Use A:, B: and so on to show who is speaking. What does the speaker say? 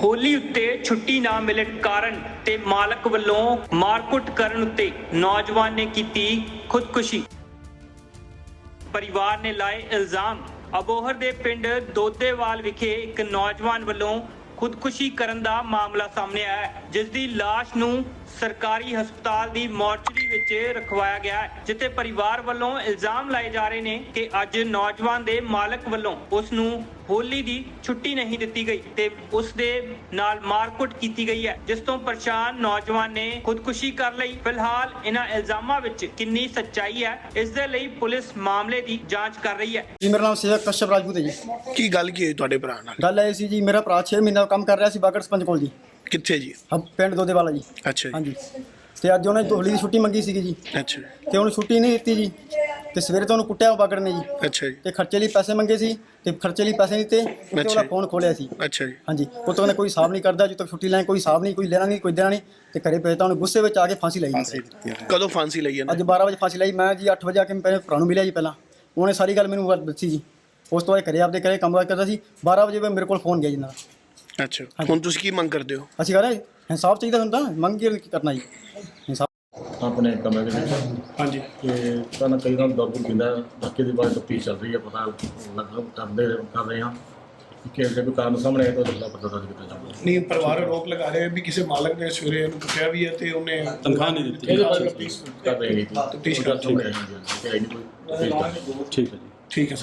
A: ਹੋਲੀ ਉੱਤੇ ਛੁੱਟੀ ਨਾ ਮਿਲਣ ਕਾਰਨ ਤੇ ਮਾਲਕ ਵੱਲੋਂ ਮਾਰਕੁੱਟ ਕਰਨ ਉੱਤੇ ਨੌਜਵਾਨ ਨੇ ਕੀਤੀ ਖੁਦਕੁਸ਼ੀ। ਪਰਿਵਾਰ ਨੇ ਲਾਏ ਇਲਜ਼ਾਮ। ਅਬੋਹਰ ਦੇ ਪਿੰਡ ਦੋਦੇਵਾਲ ਵਿਖੇ ਇੱਕ ਨੌਜਵਾਨ ਵੱਲੋਂ ਖੁਦਕੁਸ਼ੀ ਕਰਨ ਦਾ ਮਾਮਲਾ ਸਾਹਮਣੇ ਆਇਆ ਹੈ, ਜਿਸ ਦੀ ਲਾਸ਼ ਨੂੰ ਸਰਕਾਰੀ ਹਸਪਤਾਲ ਦੀ ਮੋਰਚਰੀ ਵਿੱਚ ਰਖਵਾਇਆ ਗਿਆ ਹੈ, ਜਿੱਥੇ ਪਰਿਵਾਰ ਵੱਲੋਂ ਇਲਜ਼ਾਮ ਲਾਏ ਜਾ ਰਹੇ ਨੇ ਕਿ ਅੱਜ ਨੌਜਵਾਨ ਦੇ ਮਾਲਕ ਵੱਲੋਂ ਉਸ ਨੂੰ ਹੋਲੀ ਦੀ ਛੁੱਟੀ ਨਹੀਂ ਦਿੱਤੀ ਗਈ ਤੇ ਉਸ ਦੇ ਨਾਲ ਮਾਰਕੁੱਟ ਕੀਤੀ ਗਈ ਹੈ, ਜਿਸ ਤੋਂ ਪਰੇਸ਼ਾਨ ਨੌਜਵਾਨ ਨੇ ਖੁਦਕੁਸ਼ੀ ਕਰ ਲਈ। ਫਿਲਹਾਲ ਇਹਨਾਂ ਇਲਜ਼ਾਮਾਂ ਵਿੱਚ ਕਿੰਨੀ ਸੱਚਾਈ ਹੈ, ਇਸ ਦੇ ਲਈ ਪੁਲਿਸ ਮਾਮਲੇ ਦੀ ਜਾਂਚ ਕਰ ਰਹੀ ਹੈ।
B: ਜੀ ਮੇਰਾ ਨਾਮ ਸੇਵਕ ਕਸ਼ਪ ਰਾਜਪੂਤ ਹੈ ਜੀ।
C: ਕੀ ਗੱਲ ਕੀ ਹੋਈ ਤੁਹਾਡੇ ਭਰਾ ਨਾਲ?
B: ਗੱਲ ਇਹ ਸੀ ਜੀ, ਮੇਰਾ ਭਰਾ 6 ਮਹੀਨਾ ਕੰਮ ਕਰ ਰਿਹਾ ਸੀ ਬਾਗੜ ਸਰਪੰਚ ਕੋਲ ਜੀ।
C: ਕਿੱਥੇ ਜੀ?
B: ਪਿੰਡ ਦੋਦੇਵਾਲਾ ਜੀ।
C: ਅੱਛਾ ਜੀ।
B: ਹਾਂਜੀ, ਤੇ ਅੱਜ ਉਹਨੇ ਹੋਲੀ ਦੀ ਛੁੱਟੀ ਮੰਗੀ ਸੀਗੀ ਜੀ,
C: ਅੱਛਾ
B: ਤੇ ਉਹਨੂੰ ਛੁੱਟੀ ਨਹੀਂ ਦਿੱਤੀ ਜੀ, ਤੇ ਸਵੇਰੇ ਤੋਂ ਉਹਨੂੰ ਕੁੱਟਿਆ ਬਾਗੜ ਨੇ ਜੀ।
C: ਅੱਛਾ ਜੀ।
B: ਤੇ ਖਰਚੇ ਲਈ ਪੈਸੇ ਮੰਗੇ ਸੀ, ਤੇ ਖਰਚੇ ਲਈ ਪੈਸੇ ਨਹੀਂ ਦਿੱਤੇ, ਤੇ ਉਹਦਾ ਫੋਨ ਖੋਲਿਆ ਸੀ।
C: ਅੱਛਾ ਜੀ।
B: ਹਾਂਜੀ, ਉਹ ਤੋਂ ਉਹਨੇ ਕੋਈ ਹਿਸਾਬ ਨਹੀਂ ਕਰਦਾ, ਜਦੋਂ ਤੱਕ ਛੁੱਟੀ ਲੈਣ ਕੋਈ ਹਿਸਾਬ ਨਹੀਂ, ਕੋਈ ਲੈਣਾ ਨਹੀਂ, ਕੋਈ ਦੇਣਾ ਨਹੀਂ, ਤੇ ਘਰੇ ਭੇਜਤਾ। ਉਹਨੇ ਗੁੱਸੇ ਵਿੱਚ ਆ ਕੇ ਫਾਂਸੀ ਲਈ ਜੀ।
C: ਕਦੋਂ ਫਾਂਸੀ ਲਈ ਇਹਨੇ?
B: ਅੱਜ 12 ਵਜੇ ਫਾਂਸੀ ਲਈ। ਮੈਂ ਜੀ 8 ਵਜੇ ਆ ਕੇ ਮੇਰੇ ਭਰਾ ਨੂੰ ਮਿਲਿਆ ਜੀ। ਪਹਿਲਾਂ ਉਹਨੇ ਸਾਰੀ ਗੱਲ ਮੈਨੂੰ ਦੱਸੀ ਜੀ। ਉਸ ਤੋਂ ਬਾਅਦ ਘਰੇ ਆਪਦੇ ਘਰੇ ਕੰਮ ਕਰਦਾ ਸੀ। 12 ਵਜੇ ਮੇਰੇ ਕੋਲ ਫੋਨ ਗਿਆ ਜੀ ਨਾਲ।
C: ਅੱਛਾ, ਹੁਣ ਤੁਸੀਂ ਕੀ ਮੰਗ ਕਰਦੇ ਹੋ?
B: ਅਸੀਂ ਕਹ ਰਹੇ ਇਨਸਾਫ ਚਾਹੀਦਾ ਹੁੰਦਾ, ਮੰਗ ਕੀ ਕਰਨਾ ਜੀ ਇਨਸਾਫ।
D: ਆਪਣੇ ਕਮਰੇ ਦੇ ਵਿੱਚ
C: ਹਾਂਜੀ।
D: ਤੇ ਸਾਨੂੰ ਕਈ ਨਾਲ ਦਰਦ ਪੀਂਦਾ, ਬਾਕੀ ਦੀ ਬਾਤ ਤਫਤੀਸ਼ ਚੱਲ ਰਹੀ ਹੈ, ਪਤਾ ਕਰ ਰਹੇ ਹਾਂ ਕਿ ਜੇ ਕੋਈ ਕਾਰਨ ਸਾਹਮਣੇ ਆਏ ਤਾਂ ਉਹਦਾ ਪਤਾ ਦਰਜ ਕੀਤਾ ਜਾਊਗਾ।
C: ਨਹੀਂ, ਪਰਿਵਾਰ ਆਰੋਪ ਲਗਾ ਰਹੇ ਵੀ ਕਿਸੇ ਮਾਲਕ ਨੇ ਸਵੇਰੇ ਇਹਨੂੰ ਕੁੱਟਿਆ ਵੀ ਹੈ ਤੇ ਉਹਨੇ
E: ਤਨਖਾਹ ਨਹੀਂ ਦਿੱਤੀ।
D: ਇਹਦੇ ਬਾਰੇ ਤਫਤੀਸ਼ ਕਰ ਰਹੇ ਹਾਂ।
C: ਤਫਤੀਸ਼ ਕਰ ਰਹੇ ਹਾਂ।
D: ਠੀਕ ਹੈ ਜੀ।
E: ਠੀਕ ਹੈ ਜੀ।
C: ਠੀਕ ਹੈ।